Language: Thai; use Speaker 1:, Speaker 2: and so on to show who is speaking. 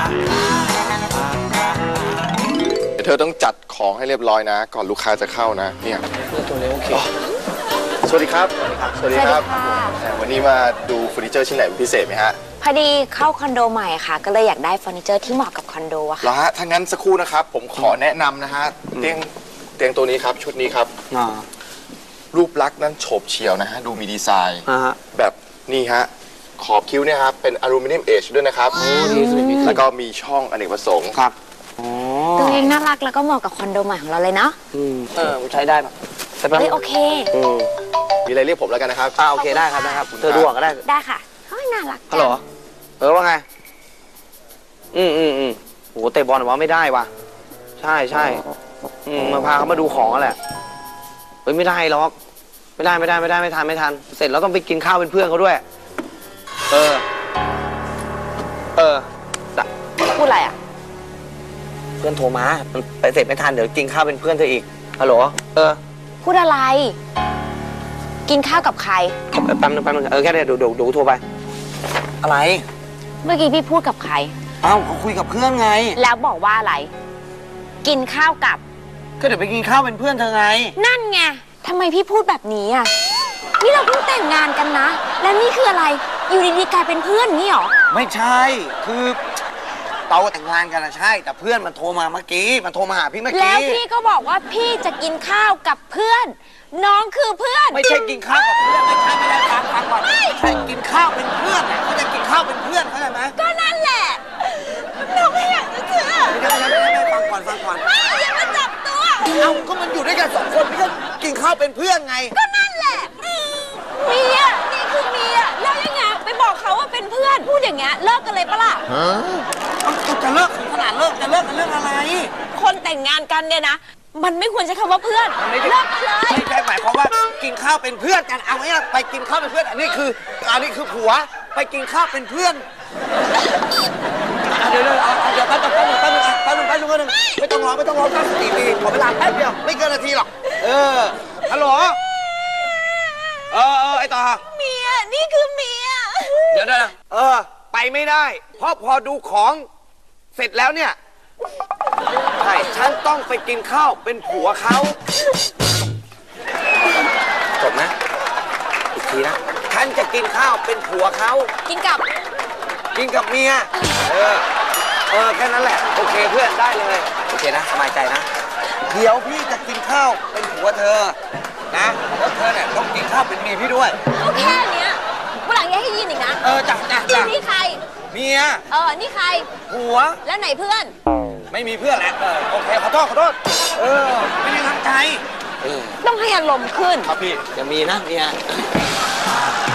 Speaker 1: เธอต้องจัดของให้เรียบร้อยนะก่อนลูกค้าจะเข้านะเนี่ย
Speaker 2: ตัวเล็กโอเค
Speaker 1: สวัสดีครับสวัสดีครับวันนี้มาดูเฟอร์นิเจอร์ชิ้นไหนพิเศษไหมฮะ
Speaker 3: พอดีเข้าคอนโดใหม่ค่ะก็เลยอยากได้เฟอร์นิเจอร์ที่เหมาะกับคอนโดอะค่ะ
Speaker 1: แล้วฮะถ้างั้นสักครู่นะครับผมขอแนะนำนะฮะเตียงตัวนี้ครับชุดนี้ครับรูปลักษณ์นั้นโฉบเฉี่ยวนะฮะดูมีดีไซน์แบบนี่ฮะขอบคิ้วเนี่ยครับเป็นอลูมิเนียมเอชด้วยนะครับแล้วก็มีช่องอเนกประสงค์ครับ
Speaker 3: ตัวเองน่ารักแล้วก็เหมาะกับคอนโดใหม่ของเราเลยเนาะ
Speaker 2: ใช้ได้ปะ
Speaker 3: โอเค
Speaker 1: มีอะไรเรียกผมแล้วกันนะครับ
Speaker 2: โอเคได้ครับนะครับเธอดูก็ได้
Speaker 3: ได้ค่ะน่ารัก
Speaker 2: ฮัลโหลว่าไงโหเตะบอลว่าไม่ได้ว่ะใช่มาพาเขามาดูของแหละเฮ้ยไม่ได้หรอกไม่ทันเสร็จแล้วต้องไปกินข้าวเป็นเพื่อนเขาด้วย
Speaker 3: พูดอะไรอ่ะ
Speaker 2: เพื่อนโทรมามันไปเสร็จไม่ทันเดี๋ยวกินข้าวเป็นเพื่อนเธออีกฮัลโหล
Speaker 3: พูดอะไรกินข้าวกับใคร
Speaker 2: แป๊บนึงแค่เดี๋ยวโทรไปอะไร
Speaker 3: เมื่อกี้พี่พูดกับใคร
Speaker 2: เขาคุยกับเพื่อนไง
Speaker 3: แล้วบอกว่าอะไรกินข้าวกับ
Speaker 2: ก็เดี๋ยวไปกินข้าวเป็นเพื่อนเธอไง
Speaker 3: นั่นไงทำไมพี่พูดแบบนี้อ่ะนี่เราเพิ่งแต่งงานกันนะและนี่คืออะไรอยู่ดีๆกลายเป็นเพื่อนนี่หรอ
Speaker 2: ไม่ใช่คือเราแต่งงานกันนะใช่แต่เพื่อนมันโทรมาเมื่อกี้มันโทรมาหาพี่เมื่อกี้
Speaker 3: แล้วพี่ก็บอกว่าพี่จะกินข้าวกับเพื่อนน้องคือเพื่อน
Speaker 2: ไม่ใช่กินข้าวกับเพื่อนไม่ได้ฟังก่อนไม่ใช่กินข้าวเป็นเพื่อนเขาจะกินข้าวเป็นเพื่อนเข้าใจไหม
Speaker 3: ก็นั่นแหละน้องไม่อยากจะเชื่อ
Speaker 2: ไม่ฟังก่อน
Speaker 3: ไม่อย่ามาจับตัว
Speaker 2: ก็มันอยู่ด้วยกัน2 คนพี่ก็กินข้าวเป็นเพื่อนไง
Speaker 3: ก็นั่นแหละเมียนี่คือเมียแล้วยังไงไปบอกเขาว่าเป็นเพื่อนพูดอย่างเงี้ยเลิกกันเลยปะล่ะ
Speaker 2: จะเลิกขนาดเลิกจะเลิกกันเรื่องอะไร
Speaker 3: คนแต่งงานกันเนี่ยนะมันไม่ควรใช้คำว่าเพื่อนเลิกกันเลย
Speaker 2: ไม่ใช่หมายความว่ากินข้าวเป็นเพื่อนกันเอาไงล่ะไปกินข้าวเป็นเพื่อนอันนี้คือผัวไปกินข้าวเป็นเพื่อนเดี๋ยวแป๊บนึงไม่ต้องร้องตั้งสติดีขอเวลาแป๊บเดียวไม่เกินนาทีหรอกฮัลโหลไอ้ต่อ
Speaker 3: เมียนี่คือเมีย
Speaker 2: เดี๋ยวไปไม่ได้เพราะพอดูของเสร็จแล้วเนี่ยใช่ฉันต้องไปกินข้าวเป็นผัวเขาจบนะอีกทีนะฉันจะกินข้าวเป็นผัวเขา
Speaker 3: กินกับ
Speaker 2: เมียแค่นั้นแหละโอเคเพื่อนได้เลยโอเคนะสบายใจนะเดี๋ยวพี่จะกินข้าวเป็นผัวเธอนะแล้วเธอเนี่ยต้องกินข้าวเป็นเมียพี่ด้วย
Speaker 3: ก็แค่เนี้ยวันหลังอย่าให้ยินอีกนะ
Speaker 2: จ้ะ
Speaker 3: นี่ใคร
Speaker 2: เมีย
Speaker 3: นี่ใคร
Speaker 2: ผัว
Speaker 3: แล้วไหนเพื่อน
Speaker 2: ไม่มีเพื่อนแหละโอเคขอโทษไม่ได้ตั้งใจ
Speaker 3: ต้องให้อารมณ์ขึ้น
Speaker 2: ครับพี่จะมีนะเมีย